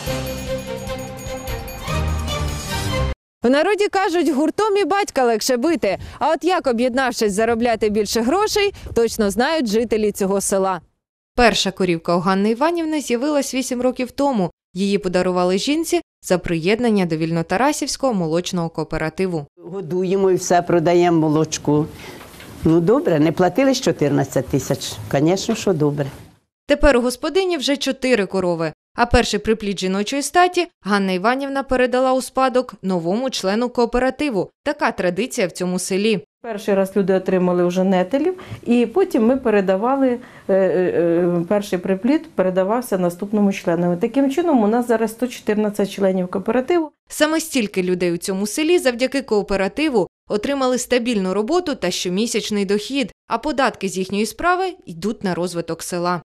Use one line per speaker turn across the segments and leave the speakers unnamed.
В народі кажуть, гуртом і батька легше бити. А от як, об'єднавшись, заробляти більше грошей, точно знають жителі цього села. Перша корівка у Ганни Іванівни з'явилась 8 років тому. Її подарували жінці за приєднання до Вільнотарасівського молочного кооперативу.
Годуємо і все, продаємо молочку. Ну добре, не платили 14 тисяч. Звісно, що добре.
Тепер у господині вже 4 корови. А перший приплід жіночої статі Ганна Іванівна передала у спадок новому члену кооперативу. Така традиція в цьому селі.
Перший раз люди отримали вже нетелів, і потім ми передавали, перший приплід передавався наступному члену. Таким чином у нас зараз 114 членів кооперативу.
Саме стільки людей у цьому селі завдяки кооперативу отримали стабільну роботу та щомісячний дохід, а податки з їхньої справи йдуть на розвиток села.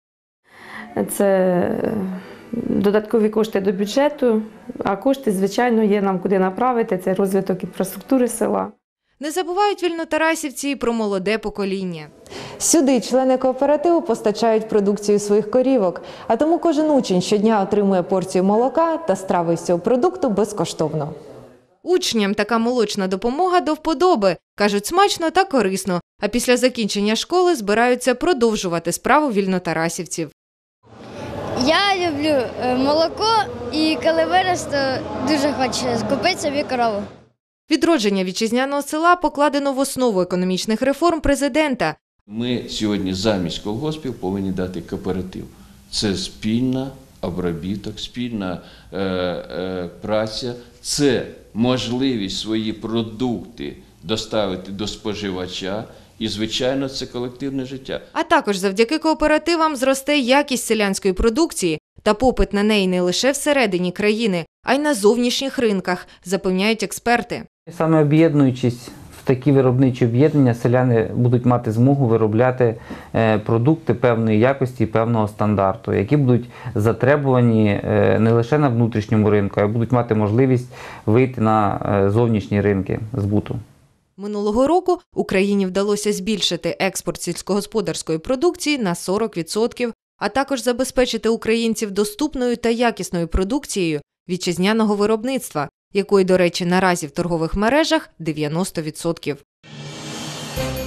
Це додаткові кошти до бюджету, а кошти, звичайно, є нам куди направити. Це розвиток інфраструктури села.
Не забувають вільнотарасівці і про молоде покоління. Сюди члени кооперативу постачають продукцію своїх корівок, а тому кожен учень щодня отримує порцію молока та страви з цього продукту безкоштовно. Учням така молочна допомога до вподоби. Кажуть, смачно та корисно, а після закінчення школи збираються продовжувати справу вільнотарасівців.
Я люблю молоко і коли виросту, дуже хочу купити собі корову.
Відродження вітчизняного села покладено в основу економічних реформ президента.
Ми сьогодні замість колгоспів повинні дати кооператив. Це спільна обробіток, спільна праця, це можливість свої продукти доставити до споживача. І, звичайно, це колективне життя.
А також завдяки кооперативам зросте якість селянської продукції та попит на неї не лише всередині країни, а й на зовнішніх ринках, запевняють експерти.
Саме об'єднуючись в такі виробничі об'єднання, селяни будуть мати змогу виробляти продукти певної якості і певного стандарту, які будуть затребувані не лише на внутрішньому ринку, а будуть мати можливість вийти на зовнішні ринки збуту.
Минулого року Україні вдалося збільшити експорт сільськогосподарської продукції на 40%, а також забезпечити українців доступною та якісною продукцією вітчизняного виробництва, якої, до речі, наразі в торгових мережах 90%.